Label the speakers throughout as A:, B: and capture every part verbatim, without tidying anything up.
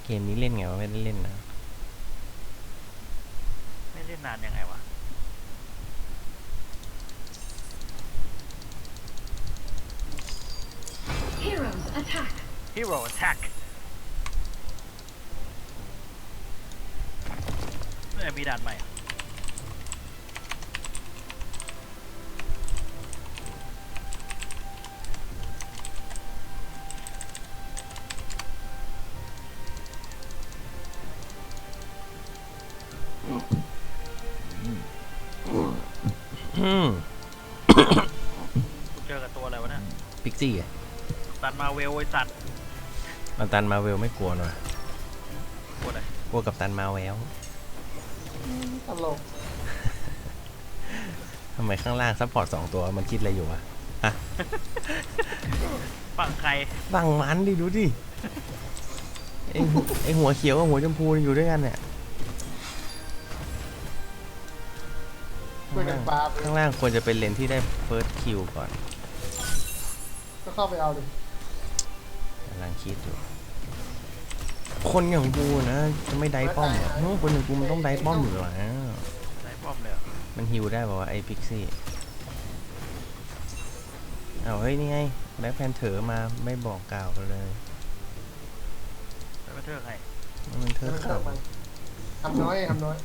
A: เกมนี้เล่นไงวะไม่ได้เล่นนะ
B: ไม่เล่นนานยังไงวะ
C: Heroes attack.
B: Hero Attack เนี่ยมีด่านใหม่อะ
A: อืม
B: กูเจอกับตัวอะไรวะเนี่ย
A: พิกซี่อะ
B: ตัดมาเวลไอ้สัตว์
A: กัปตันมาเวลไม่กลัวหน่อย
B: กดอะไร
A: กลัวกับตันมาแวว
D: ตลก
A: ทำไมข้างล่างซัพพอร์ตสองตัวมันคิดอะไรอยู่วะอะ
B: ฝั่งใคร
A: บังมันดิดูดิไอไอหัวเขียวกับหัวชมพูอยู่ด้วยกันเนี่ย
D: ช่วยกันปาไป
A: ข้างล่างควรจะเป็นเลนที่ได้เฟิร์สคิวก่อน
D: ก็เข้าไปเอาดิ
A: กำลังคิดอยู่คนอย่างกูนะจะไม่ได้ป้อมเหรอเฮ้ยคนอย่างกูมันต้องได้ป้อมอยู่แล้ว
B: ไหนป้อมเลยเหรอ
A: มันฮิวได้ป่าวะไอ้พิกซี่เอาเฮ้ยนี่ไงแบ็คแพนเถอมาไม่บอกกล่าวกันเลย
B: แล้วมาเทือกใคร
A: มันเถ
D: เดี๋ยว
A: อะ
D: มัน
A: ข่า
D: เข้าว มันทำน้อยทำน้อย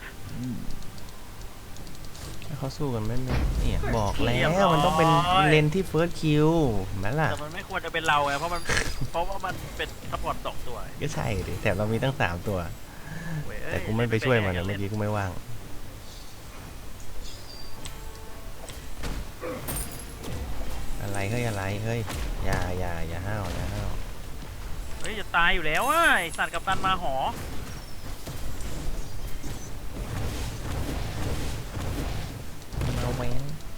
A: เขาสู้กันไม่เลยเนี่ยบอกแล้วมันต้องเป็นเลนที่เฟิร์สคิวแม่ล่ะ
B: แต่มันไม่ควรจะเป็นเราไงเพราะมัน เพราะว่ามันเป็นซัพพอร์ตสองตัว
A: ก็ใช่ดิแต่เรามีตั้งสามตัว
B: เว้ยเอ้ย
A: แต่กูไม่ไปช่วยมันนะเมื่อกี้กูไม่ว่างอะไรเฮ้ยอะไรเฮ้ยอย่าอย่าอย่าห้าวอย่าห้าว
B: เฮ้ยจะตายอยู่แล้วอ่ะไอ้สัตว์กับตันมาหอ
A: มาแหวน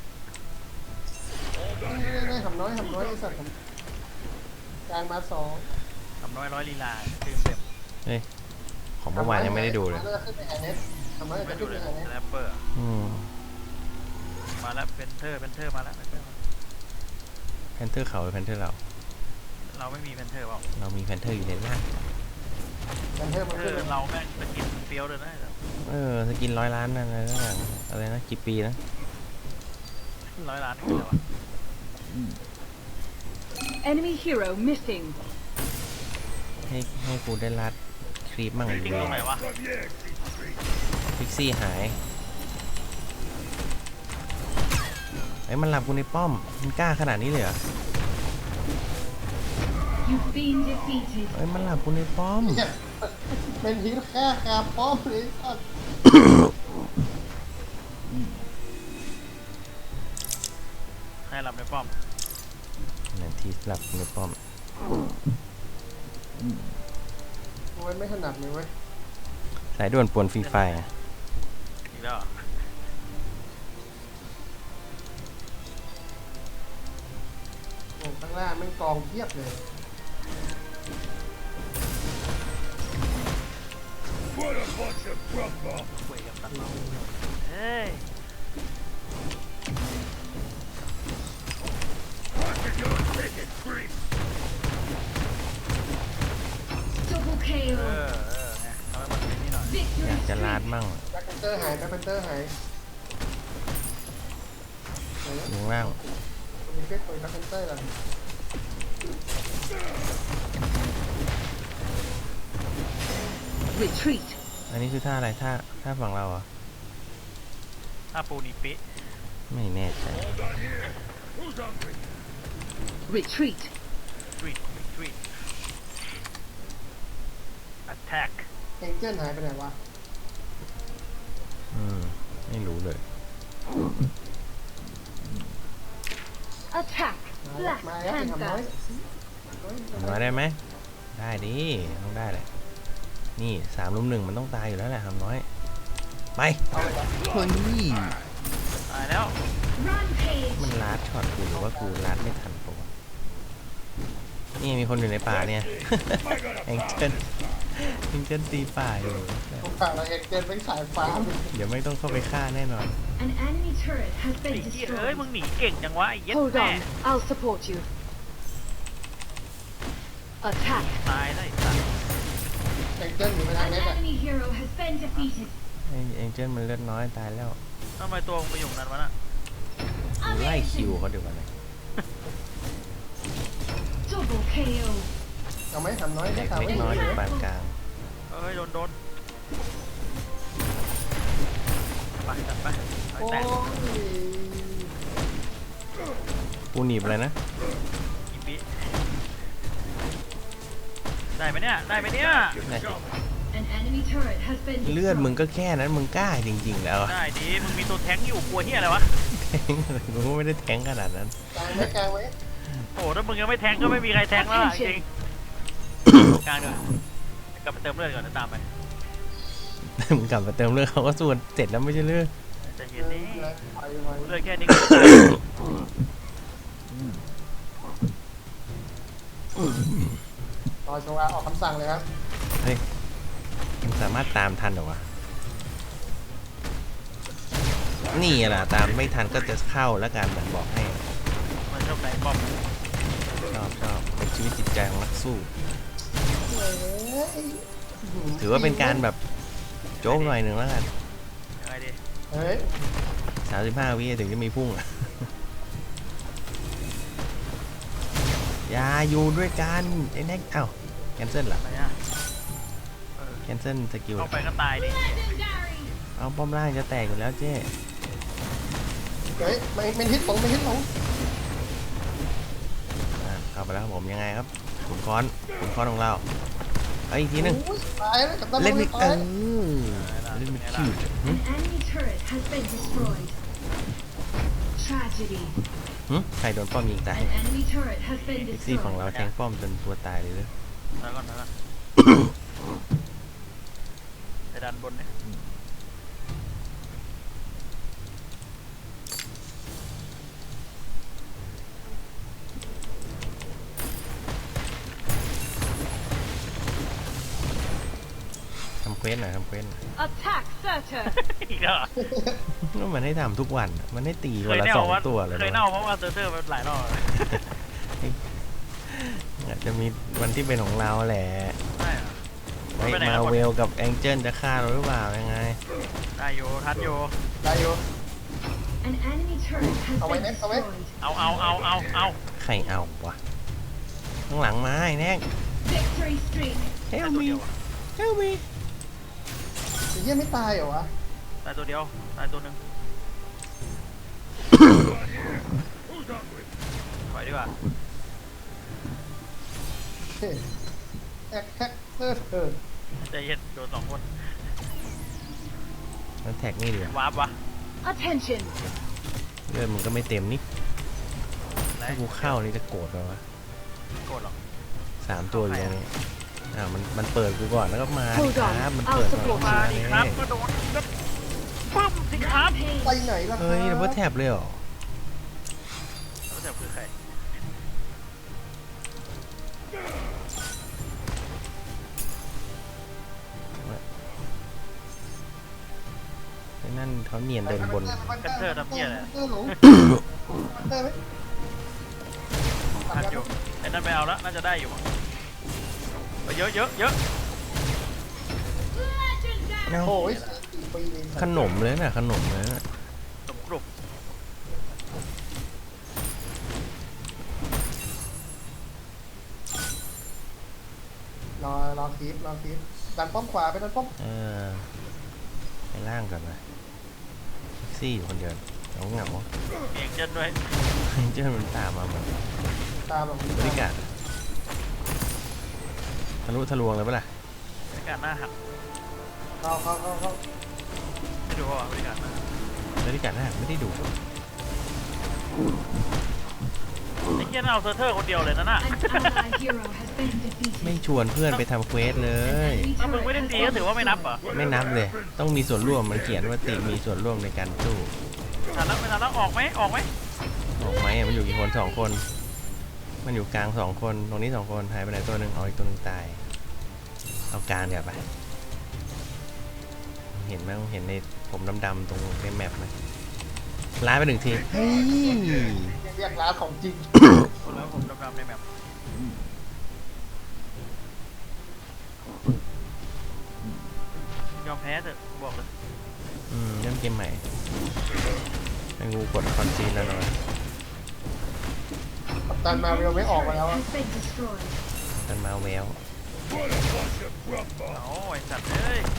D: นี่นี่ทำน้อยทำน้อยไอ้สัตว์ทำกลางมาสอง
B: ทำน้อยร้อยลีลาตื่นเต็ม
A: ของเมื่อวานยังไม่ได้ดูเลย
D: ทำน้อยขึ้นไปแอนเนสทำน้อย
B: ไม่
D: จะ
B: ดู
D: ขึ้น
B: เล
D: ไป
B: ย
D: แอนเนส
B: แรปเปอร์
A: อืม
B: มาแล้วเป็นเทอร์เป็นเทอร์มาแล้วเป็นเทอร์
A: แพนเทอร์เขาหรือแพนเทอร์เรา
B: เราไม่มีเป็นเทอร์เปล่า
A: เรามีแพนเทอร์อยู่ในล่าง
D: แอนเทอร์มัน
B: เทอ
D: ขึ้น
B: ร์เราแม่งสกินเฟี้ยวเลยนะ
A: เออสกินร้อยล้านนั่นอะไรนะอะไรนะกี่ปีนะ
B: ร้อยล้านคืออะไรวะ
C: Enemy hero missing.
A: ให้ให้กูได้รัดครีปมั่ง
B: จริงตรงไหนวะ
A: พิกซี่หายไอ้ยมันหลับกูในป้อมมันกล้าขนาดนี้เลยเหรอ
C: You've been defeated.
A: เอ้ยมันหลับกูในป้อม
D: เนี่ยเป็นทีแค่คาป้อมเลยสัตว์
B: ให้หลับในป้อม
A: นั่นที่หลับกูในป้อม
D: มันไม่ถนัดเลยเว้ย
A: สายด่วนปวนฟรีไฟร์
B: อีกแล้วเหรอ
D: โอ้ข้างล่างแม่งกองเทียบเลย
B: คุยกับตันเราเฮ้ย
C: Double
B: เอ
C: kill.
B: อเออไงทำให้มันเป็นนี่หน่อย
A: อยาก
C: Victory
A: จะลาด
C: streak.
A: มั่ง
D: แบ็คแพนเตอร์หายแบ็คแพนเตอร์หายไหน
A: อ
D: นะ
A: ยู่ข้างล่าง
D: มีเฟซตัวแบ็คแพนเตอร์เหรอ
C: Retreat.
A: อันนี้คือท่าอะไรท่าท่าฝั่งเราเหรอ
B: ถ้าปูนิปิ
A: ไม่แน่ใจ
C: Retreat.
B: ทรีททรีท attack
D: เอ็งเจิ้นหายไปไหนวะ
A: อืมไม่รู้เลย
C: Attack.
D: มาแล้ว
C: Black
D: มาแล้วไปทำน้อย
C: Panther.
A: ทำน้อยได้ไหมได้ดิต้องได้แหละนี่สามลุมหนึ่งมันต้องตายอยู่แล้วแหละทำน้อยไป
D: เอาไปก่อน
A: เฮ้ย
B: ตายแล้ว
C: Rampage.
A: มันลัดช็อตกูหรือว่ากูลัดไม่ทันปะวะนี่มีคนอยู่ในป่าเนี่ย แองเจิลแองเจิลตีป่าอยู่
D: พวกฝ่ายเราเอ็งเจิ้นเป็นสายฟ้า
A: เดี๋ยวไม่ต้องเข้าไปฆ่าแน่นอน
C: An enemy turret has
B: ไอ้
C: been
B: เหี้ยเอ้ย มึง
C: destroyed.
B: หนีเก่งจังวะไอ้เหี้ย็ด
C: Hold
B: แม่
C: on. I'll support you. Attack.
B: ตายได้สัตว์
D: แองเจิลอยู่ไปทาง
C: An
D: เน็ตอ่ะ
C: enemy hero has been defeated.
A: ไอเอ็งเจิลมันเลือดน้อยตายแล้ว
B: ทำไมตัวมึงไปอยู่นั้นวะน่ะ
A: กูไล่คิว
C: Amazing.
A: เขาเดี๋ยวกันเลย
C: Double เค โอ.
D: เอาไหมทำน้อย
A: แต
D: ไม่
A: ก
D: ทำ
A: เล็
D: ไม่
A: กน้อย
D: เห
A: อ
D: ลื
A: ยู่
D: อ
A: ปานกลาง
B: เอ้ยโดนโดนไปจัดไปไป
D: โอ้
B: แตะ
D: ย
A: กูหนีบอะไรนะ
B: อีปีได้ไหมเนี่ยได้ไหมเนี่ย
A: ได้สิ
C: An enemy turret has been
A: เลือดมึง
C: destroyed.
A: ก็แค่นั้นมึงกล้าจริงๆแล้วอะ
B: ได้ดีมึงมีตัวแท้งอยู่กลัวเฮียอะไรวะ
A: แทงอะไรกูก็ไม่ได้แทงขนาดนั้น
D: กลางไว้กลางไว้
B: โอ้ถ้ามึงยังไม่แท้งก็ไม่มีใครแท้งแล้วล่ะจริงกลางเดี๋ยวกลับไปเติมเลือดก่อนแล้วตามไป
A: มึงกลับมาเติมเลือดเขาก็ส่วนเสร็จแล้วไม่ใช่เลือด
B: ใจเย็นนี่
D: ไปไว้
B: เลือดแค่นี้ก็
D: รอจังหวะออกคำสั่งเลยครับ
A: เฮ้ยมึงสามารถตามทันเหรอวะนี่แหละตามไม่ทันก็จะเข้าแล้วกันผมบอกให้
B: มันชอบไหนบอม
A: ชอบชอบเป็นชีวิตจิตใจของนักสู้
D: เฮ้ย
A: ถือว่าเป็นการแบบโจ๊กหน่อยหนึ่งแล้วกัน
B: ยังไงดี
D: เฮ้ย
A: สามสิบห้าวิถึงจะมีพุ่งอ่ะ อย่าอยู่ด้วยกันไอ้แน็กเอ้าแคนเซิลเหรอ
B: อะไรอ่ะ
A: แคนเซิลสกิล
B: เข้าไปก็ตายดิ
C: Legendary.
A: เอาป้อมล่างจะแตกอยู่แล้วเจ๊
D: เฮ้ยไม่ไม่ฮิตลงไม่ฮิตลง
A: อ่ะเข้าไปแล้วครับผมยังไงครับขุนค้อนขุนค้อนของเราเอาอีกทีหนึง
D: โอ้ยตายแล้วกับดัน
A: เล่นไม่
D: ตา
A: เอย อเล่นไม่คิวหึ
C: An enemy turret has been destroyed. Tragedy.
A: หึใครโดนป้อมยิงตาย
C: An enemy turret has been
A: เอ็กซี่ของ
C: destroyed.
A: เราแทงป้อมจนตัวตายเลยเลย
B: แล้วก่อนแล้วก่อนไปดันบนเนี่ย
A: ทำเควสหน่อยทำเควสหน่อย
C: Attack Surtur.
B: อีกแล้วเหรอ
A: ก็มันให้ทำทุกวันอะมันให้ตี
B: เค
A: วัน
B: ย
A: ละ
B: เน่า
A: สอง
B: ว่า
A: ตัวเลย
B: เคย
A: นะ
B: เน่าเพราะว่าเซอร์เซอร์มันหลายรอบเลย
A: อาจจะมีวันที่เป็นของเราแหละ
B: ใช่เหรอ
A: ไว้
B: ไปไหน
A: มา
B: แล้ว
A: เวลกับแองเจิลจะฆ่าเราหรือเปล่ายังไง
B: ได้อยู่ทันอยู่
D: ได้อยู่
C: An enemy turret has
D: เอาไว้
C: been
D: เน็ตเอาไว้
C: destroyed.
B: เอาเอาเอาเอาเอา
A: ใครเอาวะข้างหลังมาไอ้แน็ก
C: Victory streak.
A: เฮ
B: ได้
A: ล
B: ตัว
A: มี
B: เดียวอะ
A: เฮลมี
D: ไอ้เหี้ยไม่ตายเหรอวะ
B: ได้ตัวเดียวได้ตัวหนึ่งปล่อยดีกว่า
D: เฮ้ยแฮกแฮกเออเออ
B: ใจเย็นโดนสองคน
A: มันแท็กนี่ดีกว่าว
B: าร์ปวะ
C: Attention.
A: เลือดมันก็ไม่เต็มนี่
B: แล้
A: ถ้ากูเข้านี่จะโกรธไปวะ
B: โกรธหรอก
A: สามตัวอยู่ตรงนี้อ่ามันมันเปิดกูก่อนแล้วก็มาดิ
C: Hold
A: ค
C: on
A: รับมัน
C: I'll
A: เปิดก่อน
C: support
B: มา
A: มา
B: ดิ
A: ดิ
B: ครับก็โดนก็ปั๊มสิครับ
C: Rampage.
D: ไปไหนล่ะครับ
A: เฮ้ยดับเบิลแท็บเลยเหรอ
B: แล้วแต่คือใคร
A: ไอ้นั่นเขาเนียนเดินบน
B: กันเทอร์ทำเหี้ยอะไร
D: เออหลงได้ไหม
B: ทันอยู่ไอ้นั่นไปเอาแล้วน่าจะได้อยู่ไปเยอะเยอะเยอะ
C: Legendary.
A: เอ้า
D: โอ้ยสี่ปีเอง
A: ขนมเลยน่ะขนมเลยน่ะ
B: สมกรุบ
D: รอรอคลิปรอคลิปดันป้อมขวาไปดันป้อม
A: เออไปล่างก่อนนะแท็กซี่อยู่คนเดียวเหงาเหงา
B: เองเจนด้วย
A: เจ้ามันตามมาเหมือน
D: ตามแบบ
A: บริการทะลุทะลวงเลยปะล่ะ
B: บริการหน้าหัก
D: เข้าเข้าเข้าเข้า
B: ไม่ดูว่าบริการหน้าหัก
A: บริการน่าไม่ได้ดู
B: ไอ้เหี้ยน่าเอาเซอร์เทอร์คนเดียวเลยนะน่ะ
C: An ally hero has been defeated.
A: ไม่ชวนเพื่อนไปทำเควสเลย
C: An enemy
B: ถ้ามึง
C: turret
B: ไม่ได้
C: has
B: ตี
C: been
B: ก็ถือว่าไม่นับเหรอ
C: destroyed.
A: ไม่นับเลย ต้องมีส่วนร่วมมันเขียนว่าติมีส่วนร่วมในการสู้
B: ทันแล้วไม่ทันแล้วออกไหมออกไหม
A: ออกไหมอะมันอยู่กี่คนสองคน มันอยู่กลางสองคนตรงนี้สองคนหายไปไหนตัวหนึ่งเอาอีกตัวหนึ่งตาย เอากลางเดี๋ยวไป เห็นไหมเห็นในผมดำๆตรงในแมปไหมล้ายไปหนึ่งทีเฮ้ย
D: เรียกร้านของจริง
B: คนแล้วผมดำๆในแมปแพ้เถอะบอกเลย
A: อืมเล่นเกมใหม่ให้กูกดคอนซีนแล้วหน่อย
D: กัปตันมาเวลไม่ออกมาแล้วอะ
C: has been destroyed.
A: กันมาแวว
B: โอ้ไอสัตว์เอ้ย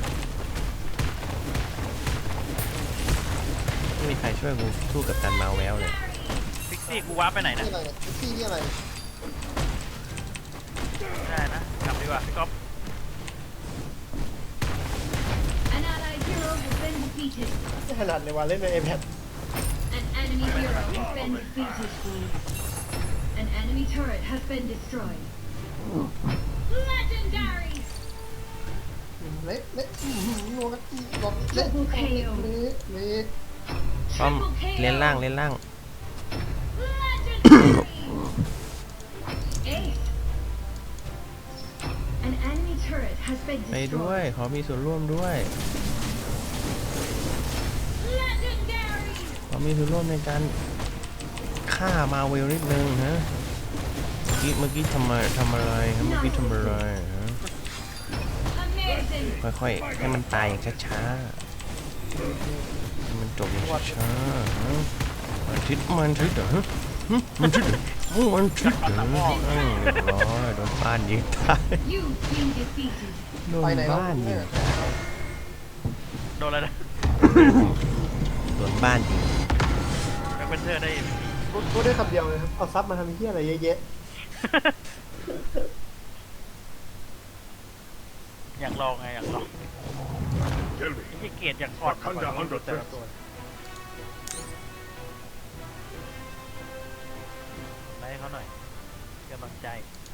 A: ไม่มีใครช่วยกูสู้กับกันมาแววเลย
B: พิกซี่กูว้าร์ปไปไหนนะ
D: นี่อะไรเนี่ยพิกซี่นี่อะไร
B: ได้นะกลับดีกว่าพี่ก๊อฟ
C: An allied hero has been defeated.
D: ไม่ถนัดเลยว่าเล่นใน iPad
C: An enemy hero has been defeated. An enemy turret has been destroyed. Legendary.
D: เละเละอื้อหือนัวกันอีกรอบเละเละเละเละ
A: ป้อม
C: Triple K O.
A: เล่นล่างเล่นล่าง
C: Legendary. Ace. An enemy turret has been
A: ไปด้วย
C: destroyed.
A: ขอมีส่วนร่วมด้วย
C: Legendary.
A: ขอมีส่วนร่วมในการฆ่ามาเวลนิดนึงฮะเมื่อกี้เมื่อกี้ทำไมทำอะไรฮะเมื่อกี้ทำอะไรฮะ
C: Amazing.
A: ค่อยๆให้มันตายอย่างช้าๆให้มันจบอย่างช้าๆฮะมันทิศมันทิศเหรอฮะหึมันทิศเหรอโอ้มันทิศเหรออืมเรียบร้อยโดนบ้านยิงตาย
C: You've been defeated.
A: โดน
D: ไปไหนแล้ว
A: บ้านยิ
D: เนี่
A: ง
D: ย
B: โดนอะไรนะ
A: โดนบ้านยิง
B: แบ็คเวนเทอร์ได้
D: พูดพูดได้คำเดียวเลยครับเอาซับมาทำเหี้ยอะไรเยอะแยะ
B: อยากลองไงอยากลอง
E: Tell me,
B: ไอ้เกียรติอยากอ่อน
E: Wakanda under
B: แต่ละ
E: threat.
B: ตัวไล่เขาหน่อยกำลังใจ